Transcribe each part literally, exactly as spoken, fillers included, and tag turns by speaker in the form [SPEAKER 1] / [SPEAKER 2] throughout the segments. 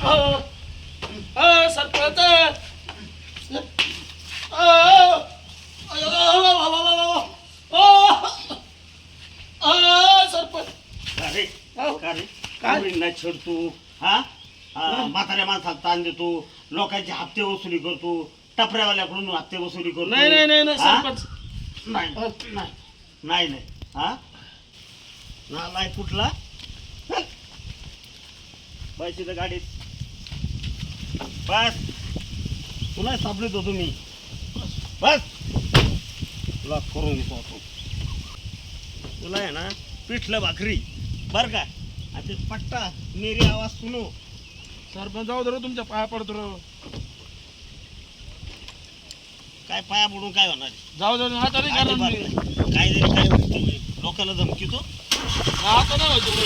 [SPEAKER 1] सरपंच सरपंच
[SPEAKER 2] अरे काय नाही छेड तू हा म्हाताऱ्या माणसाला ताण देतो लोकांचे हप्ते वसुली करतो टपऱ्यावाल्याकडून हप्ते वसुली करतो
[SPEAKER 1] नाही नाही नाही नाही सरपंच
[SPEAKER 2] नाही नाही नाही नाही हा नालाय कुठला पैसे तर गाडीत बस तुला सापडतो तुम्ही बस तुला करून पाहतो तुला आहे ना पिठलं भाकरी बर का आता पट्टा मेरी आवाज सुनो
[SPEAKER 1] सरपंच जाऊ दे तुमच्या पाया पडतो राव
[SPEAKER 2] काय पाया पडून काय होणार
[SPEAKER 1] जाऊ दे आता नाही
[SPEAKER 2] अजिबात
[SPEAKER 1] करणार मी.
[SPEAKER 2] नाही. काय जरी काय होईल, लोकांना धमकीतो
[SPEAKER 1] आता नाही होतो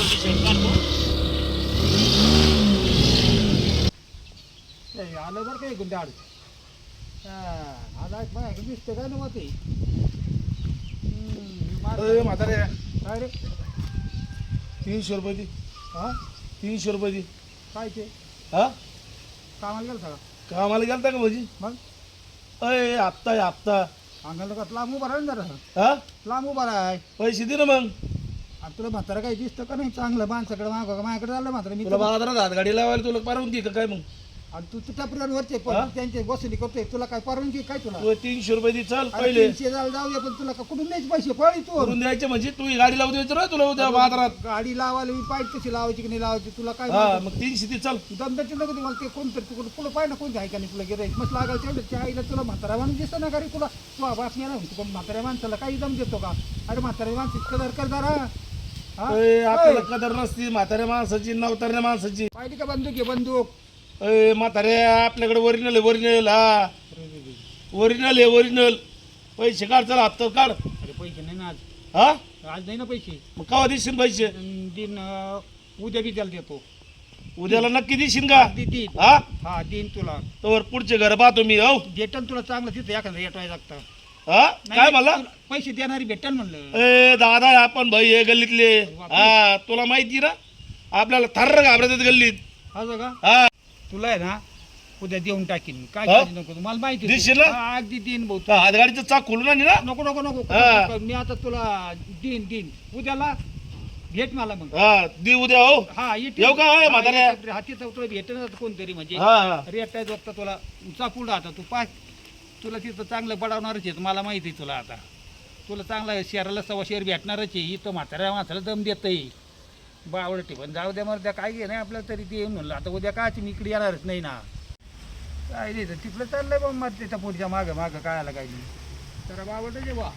[SPEAKER 3] आलं बरं काय गुंडे आड आला बाय दिसतं काय ना ते
[SPEAKER 1] अरे म्हातारे
[SPEAKER 3] काय रे
[SPEAKER 1] तीनशे रुपये दे
[SPEAKER 3] हा
[SPEAKER 1] तीनशे रुपये दे
[SPEAKER 3] काय ते
[SPEAKER 1] हा
[SPEAKER 3] कामाला गेलं सगळं
[SPEAKER 1] कामाला गेलता का भाजी
[SPEAKER 3] मग
[SPEAKER 1] अय हप्ता आहे हप्ता
[SPEAKER 3] अंगाला का लांब उभा राहा ना जरा
[SPEAKER 1] हा
[SPEAKER 3] लांब उभा राहाय
[SPEAKER 1] पैसे दे ना मग
[SPEAKER 3] आता तुला म्हातारा काही दिसतं का नाही चांगलं माणसाकडे माग माझ्याकडे झालं म्हातारा मी
[SPEAKER 1] तुला बाजारात हातगाडी लावायला तुला परवानगी का काय मग
[SPEAKER 3] आणि तू तुझ्या टपऱ्यांवरचे
[SPEAKER 1] हा?
[SPEAKER 3] त्यांचे वसुली करतोय तुला काय परवानगी काय तुला
[SPEAKER 1] तू तीनशे रुपये दे चल
[SPEAKER 3] अरे
[SPEAKER 1] पहिले
[SPEAKER 3] तीनशे जाऊ जाऊ दे पण तुला का कुठून द्यायचे पैसे पळी तू
[SPEAKER 1] करून द्यायचे म्हणजे तू ही गाडी लावून द्यायचं रे तुला उद्या बाजारात
[SPEAKER 3] गाडी लावायला मी पाहिजे कशी लावायची की नाही लावायची तुला काय
[SPEAKER 1] हा
[SPEAKER 3] माहिती?
[SPEAKER 1] मग तीनशे दे चल
[SPEAKER 3] दमदाची नको दे मला ते कोणतरी तुला तुला पाहिजे ना कोणतं आहे का नाही तुला गिराईक मस्त लागायला तेवढं त्या आईला तुला म्हातारा माणूस दिसतं ना घरी तुला तू बातम्या नाही म्हणतो पण म्हाताऱ्या माणसाला काही दम देतो का अरे म्हाताऱ्या माणसाची कदर कर जरा हा?
[SPEAKER 1] अय, आपल्याला
[SPEAKER 3] अय,
[SPEAKER 1] कदर नसती म्हाताऱ्या माणसाची नवताऱ्या माणसाची
[SPEAKER 3] पाहिली का बंदूक आहे बंदूक
[SPEAKER 1] अय म्हाताऱ्या आपल्याकडे ओरिजिनल आहे ओरिजिनल हा ओरिजिनल आहे ओरिजिनल पैसे काढ चला हप्ता काढ
[SPEAKER 3] अरे पैसे नाही ना आज
[SPEAKER 1] हा
[SPEAKER 3] आज नाही ना पैसे
[SPEAKER 1] मग केव्हा देशील पैसे
[SPEAKER 3] अन दिन अं, उद्या बी त्याला देतो
[SPEAKER 1] उद्याला नक्की देशील का
[SPEAKER 3] दे- देईन
[SPEAKER 1] हा
[SPEAKER 3] हा देईन तुला
[SPEAKER 1] तर पुढचे घर पाहतो मी हो
[SPEAKER 3] भेटन तुला चांगलं तिथं एखादं येटवाय लागतं
[SPEAKER 1] हा काय मला
[SPEAKER 3] पैसे देणारी भेटन म्हणलं
[SPEAKER 1] ए दादा आपण भाई हे गल्लीतले हा तुला माहिती ना आपल्याला थर्र घाबरतात गल्लीत
[SPEAKER 3] असं का
[SPEAKER 1] हा
[SPEAKER 3] तुला आहे ना उद्या देऊन टाकीन मी. काय
[SPEAKER 1] हा?
[SPEAKER 3] काळजी नको करू. मला माहिती आहे.
[SPEAKER 1] देशील ना?
[SPEAKER 3] हा, अगदी देईन भाऊ
[SPEAKER 1] तर हातगाडीचं चाक खोलून आणि ना
[SPEAKER 3] नको नको नको
[SPEAKER 1] हा.
[SPEAKER 3] नको. मी आता तुला देईन देईन उद्याला भेट मला मग
[SPEAKER 1] हा दे उद्या हो
[SPEAKER 3] हा येते
[SPEAKER 1] येऊ का, होय, म्हाताऱ्या?
[SPEAKER 3] हाती तुला भेटेन कोणतरी म्हणजे
[SPEAKER 1] हा हा
[SPEAKER 3] रेट आहे बघता तुला चापूड आता तू पाय तुला तिथं चांगलं बडावणारच आहे मला माहिती आहे तुला आता तुला चांगला शहराला सव्वा शेअर भेटणारच आहे इथं म्हाताऱ्या माणसाला दम देत आहे बावड ठिकाण जाऊ द्या मग त्या काय घे नाही आपल्याला तरी ते म्हणलं आता उद्या काय मी इकडे येणारच नाही ना काय नाही तर तिकडं चाललंय बा मग त्याच्या पुढच्या मागं मागं काय आला काय नाही तर बावड जे बा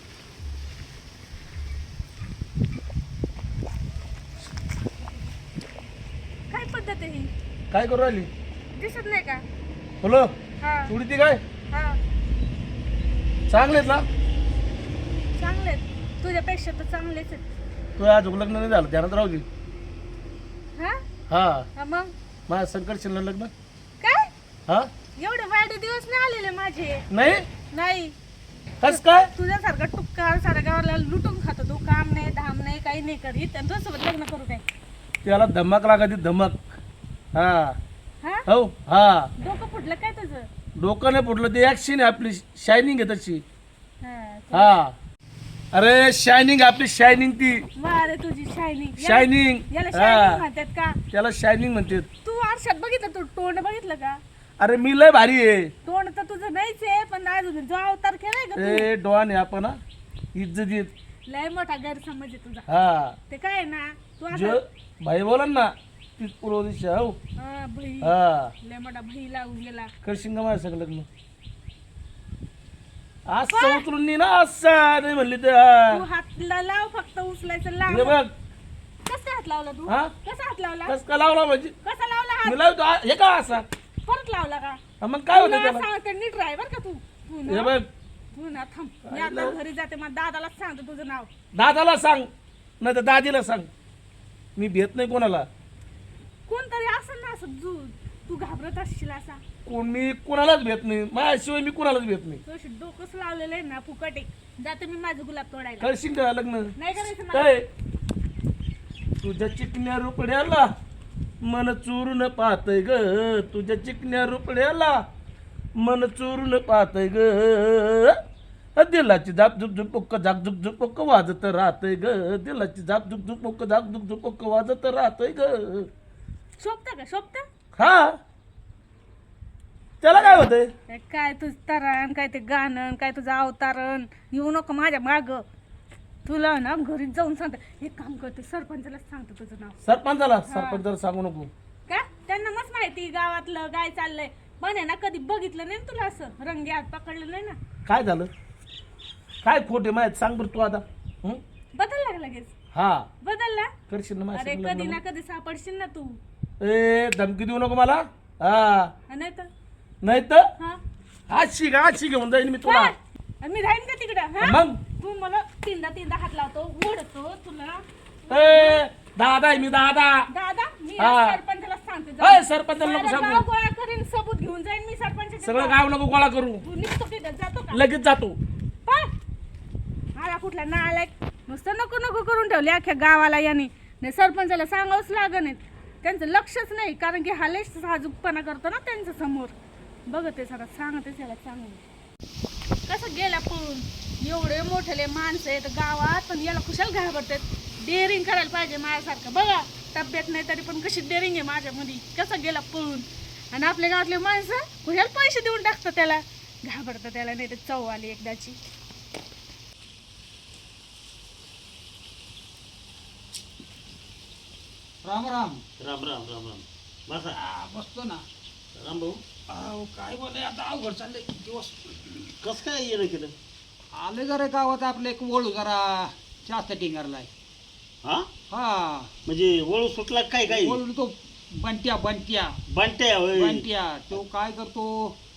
[SPEAKER 4] काय पद्धत आहे ही
[SPEAKER 1] काय करू राहिली
[SPEAKER 4] दिसत नाही का
[SPEAKER 1] बोलो
[SPEAKER 4] हा
[SPEAKER 1] उडी ती काय
[SPEAKER 4] हा
[SPEAKER 1] चांगलेत ना
[SPEAKER 4] चांगले तुझ्यापेक्षा तर चांगलेच आहेत
[SPEAKER 1] तू आज लग्न नाही झालं ध्यानात राहू दे
[SPEAKER 4] हा
[SPEAKER 1] हा
[SPEAKER 4] हा मग
[SPEAKER 1] माझ्या संकट शिल्लक लग्न
[SPEAKER 4] काय
[SPEAKER 1] हा
[SPEAKER 4] एवढे वाईट दिवस नाही आलेले माझे
[SPEAKER 1] नाही
[SPEAKER 4] नाही
[SPEAKER 1] कस काय
[SPEAKER 4] तुझ्यासारखा टुक्का साऱ्या गावाला लुटून खातो तू काम नाही धाम नाही काही नाही करीत आणि तुझ्यासोबत लग्न करू काय
[SPEAKER 1] त्याला धमक लागत धमक हा
[SPEAKER 4] हा
[SPEAKER 1] हो हा
[SPEAKER 4] डोकं फुटलं काय तुझं
[SPEAKER 1] डोकं नाही फुटलं ते ऍक्शन आहे आपली शायनिंग आहे तशी
[SPEAKER 4] हा
[SPEAKER 1] हा अरे शायनिंग आपली शायनिंग ती
[SPEAKER 4] मारे तुझी शायनिंग
[SPEAKER 1] शायनिंग
[SPEAKER 4] याला
[SPEAKER 1] हा
[SPEAKER 4] शायनिंग म्हणतात का
[SPEAKER 1] त्याला शायनिंग म्हणते
[SPEAKER 4] तू आरशात बघितलं तू तोंड बघितलं का
[SPEAKER 1] अरे मी लय भारी आहे
[SPEAKER 4] तोंड तर तुझं नाहीच आहे पण अजून जो अवतार केलाय का तू
[SPEAKER 1] ए डॉन आहे आपण हा. इज्जतीत
[SPEAKER 4] लय मोठा गैरसमज आहे तुझा
[SPEAKER 1] हा
[SPEAKER 4] ते काय आहे ना तू
[SPEAKER 1] जो
[SPEAKER 4] आता
[SPEAKER 1] भाई बोला ना तीच पूर्व दिशा हो
[SPEAKER 4] हा, बही
[SPEAKER 1] हा
[SPEAKER 4] लय मोठा बही लागून गेला
[SPEAKER 1] करशिंग माझ्या सगळं लग्न असं उचलून नी ना असं नाही म्हणली तर
[SPEAKER 4] तू हातला लाव फक्त उचलायचं लाव
[SPEAKER 1] हे बघ
[SPEAKER 4] कसा हात लावला तू
[SPEAKER 1] हा?
[SPEAKER 4] कसा हात लावला
[SPEAKER 1] कस का लावला म्हणजे
[SPEAKER 4] कसा लावला हात
[SPEAKER 1] मी लावतो आ- हे का असा
[SPEAKER 4] परत लावला का
[SPEAKER 1] हा, मग काय होतं
[SPEAKER 4] तुला
[SPEAKER 1] त्याला
[SPEAKER 4] सांगते नीट राह बर का तू तू
[SPEAKER 1] हे
[SPEAKER 4] ना
[SPEAKER 1] बघ
[SPEAKER 4] तू ना थांब मी आता घरी जाते मग दादाला सांगते तुझं नाव
[SPEAKER 1] दादाला सांग नाही तर दादीला सांग मी भेट नाही कोणाला
[SPEAKER 4] कोणतरी असं ना असं तू तू घाबरत असशील असा
[SPEAKER 1] कोण मी कोणालाच भेट नाही माझ्याशिवाय मी कोणालाच भेट नाही
[SPEAKER 4] तुझी डोकंच लावलेलं आहे ना फुकट आहे जाते मी माझं गुलाब तोडायला
[SPEAKER 1] करशिंग का लग्न
[SPEAKER 4] नाही करायचं मला
[SPEAKER 1] काय तुझ्या चिकण्या रुपड्याला मन चोरून पाहतय ग तुझ्या चिकन्या रुपड्याला, मन चोरून पाहतय ग, दिलाची झाप झुक झुपक झाक झुक झुपक वाजत राहतय ग, दिलाची झाप झुक झुपक झाक झुक झुपक वाजत राहतय ग.
[SPEAKER 4] शोभता का शोभता?
[SPEAKER 1] हा त्याला काय होतंय?
[SPEAKER 4] काय तुझं तरण, काय ते गाणं, काय तुझं अवतारण, येऊ नको माझ्या माग. तुला ना घरी जाऊन सांगते, एक काम करते सरपंचाला सांगतो तुझं नाव.
[SPEAKER 1] सरपंचाला? सरपंचाला सांगू नको.
[SPEAKER 4] का? त्यांना मस्त माहिती गावातलं काय चाललंय. पण आहे ना कधी बघितलं नाही ना तुला असं रंगे हात पकडलं नाही ना.
[SPEAKER 1] काय झालं? काय खोटे माहित सांग बरं तू आता. हं?
[SPEAKER 4] बदलला का लगेच?
[SPEAKER 1] हा
[SPEAKER 4] बदलला?
[SPEAKER 1] करशील ना
[SPEAKER 4] अरे
[SPEAKER 1] माझ्या
[SPEAKER 4] कधी ना कधी सापडशील ना तू.
[SPEAKER 1] ए धमकी देऊ नको मला. हा
[SPEAKER 4] नाही तर
[SPEAKER 1] नाही तर
[SPEAKER 4] हा
[SPEAKER 1] आज शिक आज शिक घेऊन जाईन मी तुला.
[SPEAKER 4] हा? आणि मी राहीन का तिकडं? हा?
[SPEAKER 1] मग
[SPEAKER 4] तू मला तीनदा तीनदा हात लावतो ओढतो तुला.
[SPEAKER 1] ए दादा आहे मी दादा.
[SPEAKER 4] दादा मी
[SPEAKER 1] हा.
[SPEAKER 4] आज सरपंचाला सांगते
[SPEAKER 1] अय
[SPEAKER 4] जाऊन.
[SPEAKER 1] सरपंचाला नको
[SPEAKER 4] सारं गाव
[SPEAKER 1] सांगू.
[SPEAKER 4] गोळा करीन सबूत घेऊन जाईन मी सरपंचाच्या
[SPEAKER 1] सगळं
[SPEAKER 4] गावात.
[SPEAKER 1] गाव नको गोळा करू.
[SPEAKER 4] तू निघतो तिथं जातो का?
[SPEAKER 1] लगेच जातो.
[SPEAKER 4] पळ. आला कुठला ना आलाय नुसतं नको नको करून ठेवले अख्ख्या गावाला याने. नाही सरपंचाला सांगावंच लागण. त्यांचं लक्षच नाही कारण की हा लय साजूकपणा करतो ना त्यांच्या समोर. बघते सगळं सांगते त्याला चांगलं कसं गेला पळून. एवढे मोठे माणसं आहेत गावात पण याला कुशाल घाबरतात. डेअरिंग करायला पाहिजे माझ्यासारखं. बघा तब्येत नाही तरी पण कशी डेअरिंग आहे माझ्यामध्ये. कसं गेला पळून. आणि आपल्या गावातले माणसं कुशाल पैसे देऊन टाकतात त्याला. घाबरतं त्याला नाही तर चव आली एकदाची.
[SPEAKER 3] राम राम.
[SPEAKER 2] राम राम राम राम. बसा.
[SPEAKER 3] आ, बसतो ना.
[SPEAKER 2] राम भाऊ
[SPEAKER 3] अहो काय बोलाय आता अवघड चाललंय दिवस.
[SPEAKER 2] कस काय येणं केलं?
[SPEAKER 3] आले जरा गावात आपलं एक वळू जरा जास्त टिंगारलाय.
[SPEAKER 2] हा
[SPEAKER 3] हा
[SPEAKER 2] म्हणजे वळू सुटला काय काय?
[SPEAKER 3] वळू तो बंट्या बंट्या
[SPEAKER 2] बंट्या होय.
[SPEAKER 3] बंट्या तो काय करतो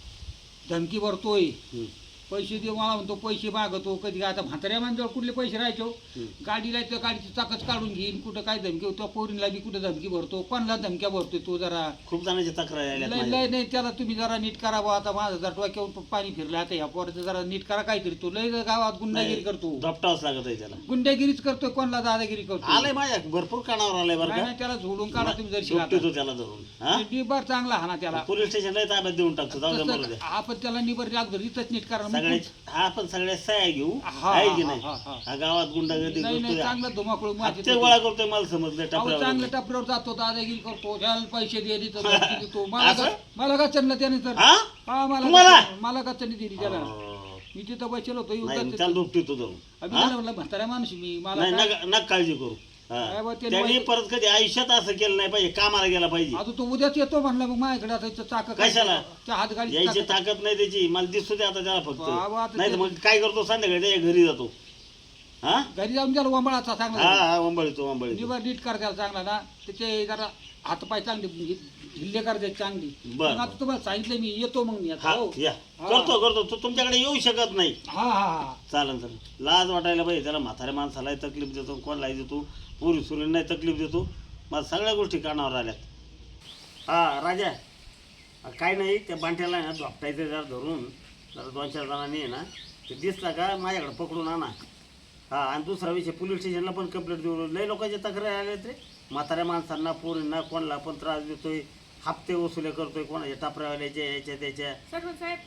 [SPEAKER 3] धमकी भरतोय.
[SPEAKER 2] हं,
[SPEAKER 3] पैसे दे मला म्हणतो पैसे मागतो. कधी आता म्हाताऱ्या माणसावर कुठले पैसे राहायचो.
[SPEAKER 2] हं.
[SPEAKER 3] गाडीला त्या गाडीची चाकच काढून घेईन. कुठं काय धमकी होतो पोरींला बी कुठं धमकी भरतो. कोणाला धमक्या भरतोय तो जरा
[SPEAKER 2] खूप जणांची तक्रार आल्या
[SPEAKER 3] लय लय नाही. त्याला तुम्ही जरा नीट करा बुवा. आता माझं जर डोक्यावर पाणी फिरलं आता ह्या पोराचं जरा नीट करा काहीतरी. तो लय गावात गुंडागिरी करतो.
[SPEAKER 2] दपटावच लागत आहे त्याला.
[SPEAKER 3] गुंडागिरीच करतोय कोणाला दादागिरी करतो.
[SPEAKER 2] आलंय माझ्या भरपूर कानावर आलंय बरं
[SPEAKER 3] नाही,
[SPEAKER 2] का.
[SPEAKER 3] नाही, त्याला झोडून काढा तुम्ही जर
[SPEAKER 2] झोपतो त्याला धरून. हा
[SPEAKER 3] निबर चांगला हा ना त्याला.
[SPEAKER 2] पोलीस स्टेशनला ताब्यात देऊन टाकतो. जाऊ दे मरू
[SPEAKER 3] तसं
[SPEAKER 2] दे.
[SPEAKER 3] आपण त्याला निबर लागतो इथंच नीट करा.
[SPEAKER 2] सगळे हा पण सगळ्या सह्या घेऊ
[SPEAKER 3] हा,
[SPEAKER 2] आहे की
[SPEAKER 3] हा,
[SPEAKER 2] नाही.
[SPEAKER 3] हा, हा.
[SPEAKER 2] हा गावात गुंडागर्दी
[SPEAKER 3] नाही नाही
[SPEAKER 2] करतोय.
[SPEAKER 3] चांगला धुमाकूळ माझी
[SPEAKER 2] हप्ते गोळा करतोय मला समजलं
[SPEAKER 3] अहो
[SPEAKER 2] टपऱ्यावर.
[SPEAKER 3] चांगलं टपऱ्यावर जातो दादागिरी करतो. त्याला पैसे दे देतो धमकी देतो. मला
[SPEAKER 2] असं?
[SPEAKER 3] का- मला का चढलं त्याने तर
[SPEAKER 2] हा
[SPEAKER 3] हा मला
[SPEAKER 2] तुम्हाला?
[SPEAKER 3] का- मला का चढली दिली त्याला.
[SPEAKER 2] हो.
[SPEAKER 3] मी तिथं बसलो होतो
[SPEAKER 2] नाही
[SPEAKER 3] येऊन
[SPEAKER 2] त्याला दुपटी तो धरून.
[SPEAKER 3] अभि
[SPEAKER 2] हा?
[SPEAKER 3] म्हणलं म्हाताऱ्या माणूस आहे मी मला
[SPEAKER 2] नाही
[SPEAKER 3] काय-
[SPEAKER 2] नका नका काळजी करू. हा.
[SPEAKER 3] काय बा ते
[SPEAKER 2] त्यांनी
[SPEAKER 3] माहिती-
[SPEAKER 2] परत कधी आयुष्यात असं केलं नाही पाहिजे. कामाला गेला पाहिजे.
[SPEAKER 3] आता तो उद्याच येतो म्हणला मग माझ्याकडे आता इथं चाक
[SPEAKER 2] कशाला?
[SPEAKER 3] त्या हात गाडी
[SPEAKER 2] यायची ताकद नाही त्याची. मला दिसतो ते आता त्याला
[SPEAKER 3] बाबा,
[SPEAKER 2] फक्त.
[SPEAKER 3] आता
[SPEAKER 2] नाही तर
[SPEAKER 3] ते-
[SPEAKER 2] मग काय करतो संध्याकाळी त्याच्या घरी जातो. हा
[SPEAKER 3] घरी जाऊन त्याला वंबळाचा
[SPEAKER 2] हा
[SPEAKER 3] चांगला
[SPEAKER 2] हा वंबळीतो वंबळीतो.
[SPEAKER 3] निबर नीट कर त्याला चांगला ना. त्याचे जरा हातपाय चांगले ढिल्ले कर द्यायचे चांगली.
[SPEAKER 2] बरं.
[SPEAKER 3] मग आता तुम्हाला सांगितलं मी येतो मग मी आता
[SPEAKER 2] हा
[SPEAKER 3] हो.
[SPEAKER 2] या
[SPEAKER 3] हा.
[SPEAKER 2] करतो करतो तो तुमच्याकडे येऊ शकत नाही.
[SPEAKER 3] हा हा हा
[SPEAKER 2] चालन चालेल. लाज वाटायला पाहिजे त्याला. म्हाताऱ्या माणसालाही तकलीफ देतो कोणालाही देतो. पुरी सुरींनाही तकलीफ देतो. मला सगळ्या गोष्टी कानावर आल्यात. हा राजा काय नाही त्या बांठ्याला आहे ना धोपटायचं जरा धरून जरा दोन चार जणांनी आहे ना ते दिसला का माझ्याकडे पकडून आणा. हा आणि दुसरा विषय पोलीस स्टेशनला पण कंप्लेंट देऊ. लय लोकांच्या तक्रार आल्यात रे. म्हाताऱ्या माणसांना पोरींना कोणाला पण त्रास देतोय. हप्ते वसुले करतोय कोणाच्या टापऱ्यावाल्याच्या याच्या त्याच्या.
[SPEAKER 4] सरपंच साहेब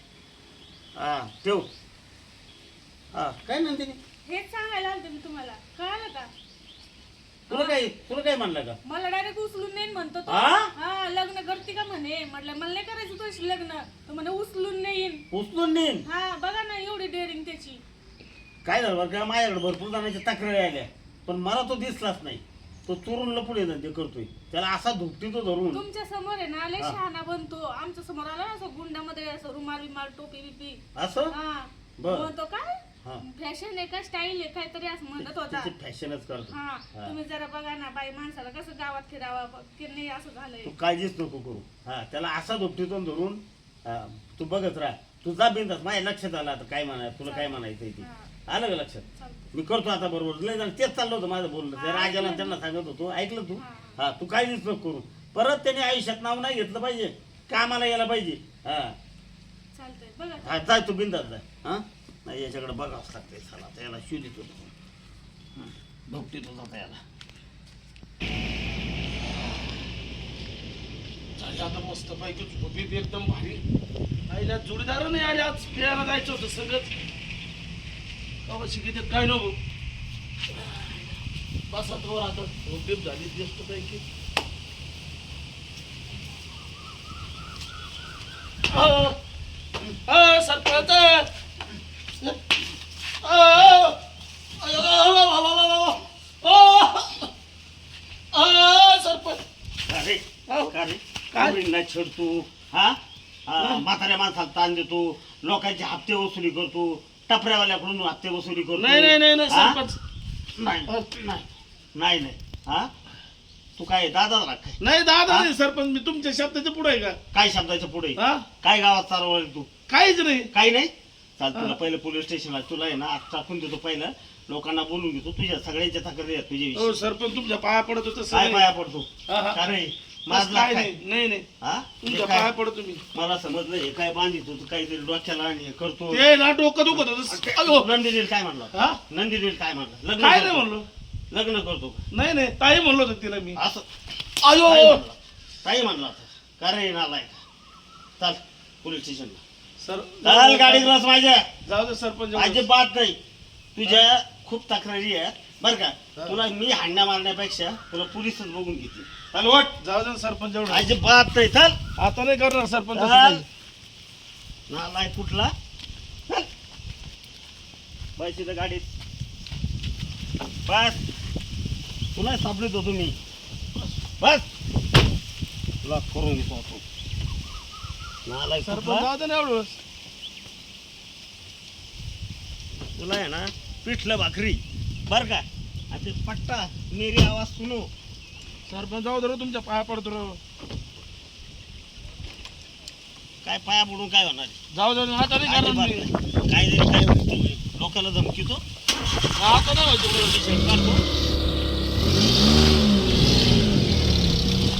[SPEAKER 2] हा ठेव. हा काय म्हणते मी?
[SPEAKER 4] हेच सांगायला आलते मी तुम्हाला. कळालं का?
[SPEAKER 2] तुला काय तुला काय म्हणलं का?
[SPEAKER 4] मला डायरेक्ट उचलून नेईन म्हणतो तो.
[SPEAKER 2] हा?
[SPEAKER 4] हा लग्न करते का म्हणे. म्हटलं मला नाही करायचं तुझ्याशी लग्न. तो म्हणे उचलून नेईन.
[SPEAKER 2] उचलून नेईन.
[SPEAKER 4] हा बघा ना एवढी डेअरिंग त्याची.
[SPEAKER 2] काय झालं बरं का माझ्याकडे भरपूर जणांच्या तक्रारी आल्या पण मला तो दिसलाच नाही. तो चोरून लपून येतात ते करतोय. त्याला असा धुपटी तो धरून.
[SPEAKER 4] तुमच्या समोर आहे ना लय
[SPEAKER 2] हा.
[SPEAKER 4] शहाणा बनतो. आमच्या समोर आला ना असं गुंडामध्ये असं रुमाल बिमाल टोपी बिपी.
[SPEAKER 2] असं
[SPEAKER 4] हा
[SPEAKER 2] बर.
[SPEAKER 4] म्हणतो काय
[SPEAKER 2] हा
[SPEAKER 4] फॅशन आहे का स्टाईल आहे काहीतरी असं म्हणत होता.
[SPEAKER 2] त्याची फॅशनच करतो.
[SPEAKER 4] हा
[SPEAKER 2] हा.
[SPEAKER 4] तुम्ही जरा बघा ना बाई माणसाला कसं गावात फिरावं की नाही असं झालंय.
[SPEAKER 2] तू काळजीच नको करू. हा त्याला असा धुपटीतून धरून हा तू बघत राहा. तू जा बिंदास. माझ्या लक्षात आलं आता काय म्हणाय तुला काय म्हणायचं ते.
[SPEAKER 4] हा,
[SPEAKER 2] आलं का लक्षात?
[SPEAKER 4] चालतंय.
[SPEAKER 2] मी करतो आता बरोबर. लय जण तेच चाललं होतं माझं बोलणं.
[SPEAKER 4] हा,
[SPEAKER 2] त्या राजाला
[SPEAKER 4] ऐकलं
[SPEAKER 2] त्यांना
[SPEAKER 4] मी.
[SPEAKER 2] सांगत होतो. ऐकलं तू?
[SPEAKER 4] हा.
[SPEAKER 2] हा तू काळजीच नको करू. परत त्याने आयुष्यात नाव नाही घेतलं पाहिजे. कामाला यायला पाहिजे. हा
[SPEAKER 4] चालतंय बघा.
[SPEAKER 2] हा जाय तू बिंदास जाय. हा नाही याच्याकडे बघावंच लागतंय. चला आता याला शोधित होतो. भोगतीत होता याला.
[SPEAKER 1] आईला आता मस्त पैकी झोपीत एकदम भारी. आईला जोडीदार नाही आले आज फिरायला जायचं होतं सगळंच. बाबा शिकित काय नको बसा तो आता झोपीत झाली मस्त पैकी. अ, अ, सरपंच अ, अ, अ, सरपंच
[SPEAKER 2] अरे
[SPEAKER 1] अहो,
[SPEAKER 2] का रे
[SPEAKER 1] काय?
[SPEAKER 2] काय नाही छेडतो हा हा, म्हाताऱ्या माणसाला ताण देतो, लोकांचे हप्ते वसुली करतो, टपऱ्यावाल्याकडून हप्ते वसुली करतो.
[SPEAKER 1] नाही नाही नाही नाही,
[SPEAKER 2] हा?
[SPEAKER 1] सरपंच
[SPEAKER 2] नाही नाही नाही नाही हा तू काय दादा राख काय
[SPEAKER 1] नाही दादा
[SPEAKER 2] हा?
[SPEAKER 1] नाही सरपंच मी तुमच्या शब्दाच्या पुढे आहे का
[SPEAKER 2] काय शब्दाच्या पुढे
[SPEAKER 1] हा
[SPEAKER 2] काय गावात चालवलं तू
[SPEAKER 1] काहीच नाही.
[SPEAKER 2] काही नाही चाल तुला
[SPEAKER 1] हा.
[SPEAKER 2] पहिलं पोलीस स्टेशनला तुला आहे ना आज टाकून देतो, पहिलं लोकांना बोलून घेतो, तुझ्या सगळ्यांच्या तक्रारी आहेत
[SPEAKER 1] हो
[SPEAKER 2] तुझ्याविषयी.
[SPEAKER 1] सरपंच तुमच्या पाया पडत होतं
[SPEAKER 2] काय पाया पडतो
[SPEAKER 1] हा, हा.
[SPEAKER 2] का रे
[SPEAKER 1] बस
[SPEAKER 2] माझं
[SPEAKER 1] काय
[SPEAKER 2] काय
[SPEAKER 1] नाही नाही नाही
[SPEAKER 2] हा
[SPEAKER 1] तुमच्या
[SPEAKER 2] हे काय?
[SPEAKER 1] पाया पडतो तुम्ही.
[SPEAKER 2] मला समजलं हे काय बांधितो तू काहीतरी डोक्याला आणि हे करतो.
[SPEAKER 1] ते ना डोकं दुखत होतं. अयो
[SPEAKER 2] नंदिनील काय म्हणलं
[SPEAKER 1] हा
[SPEAKER 2] नंदिनील काय म्हणलं लग्न
[SPEAKER 1] काय नाही
[SPEAKER 2] करतो.
[SPEAKER 1] म्हणलो.
[SPEAKER 2] लग्न करतो का?
[SPEAKER 1] नाही नाही ताई म्हणलो होतं तिला मी.
[SPEAKER 2] असं
[SPEAKER 1] अयो
[SPEAKER 2] ताई म्हणला ताई म्हणला होता. का रे नालाय चाल पोलीस स्टेशनला
[SPEAKER 1] सर
[SPEAKER 2] चाल गाडीत बस माझ्या
[SPEAKER 1] जाऊ दे सरपंच.
[SPEAKER 2] अजिबात नाही तुझ्या खूप तक्रारी आहेत बरं का.
[SPEAKER 1] हा.
[SPEAKER 2] तुला मी हाणण्या मारण्यापेक्षा तुला पोलीसच बघून घेते. चाल वट
[SPEAKER 1] जाऊ दे सरपंच एवढं.
[SPEAKER 2] अजिबात नाही चाल
[SPEAKER 1] आता नाही करणार सरपंच असं
[SPEAKER 2] चाल
[SPEAKER 1] काही.
[SPEAKER 2] नालाय कुठला चल. बस इथं गाडीत बस तुला सापडत होतो मी बस तुला करून घेतो आपण नालाय
[SPEAKER 1] सरपंच
[SPEAKER 2] कुठला.
[SPEAKER 1] जाऊ दे ना एवढं.
[SPEAKER 2] तुला आहे ना पिठलं भाकरी बर का आणि ते पट्टा मेरी आवाज सुनो.
[SPEAKER 1] सरपंच जाऊ दे रे, तुमच्या पाया पडतो रे.
[SPEAKER 2] काय पाया पडून काय होणार आहे?
[SPEAKER 1] जाऊ दे आता नाही करणार
[SPEAKER 2] अजिबात
[SPEAKER 1] मी.
[SPEAKER 2] नाही. काय जरी काय होईल, लोकांना धमकीतो
[SPEAKER 1] आता नाही व्हायचं.
[SPEAKER 2] काढतो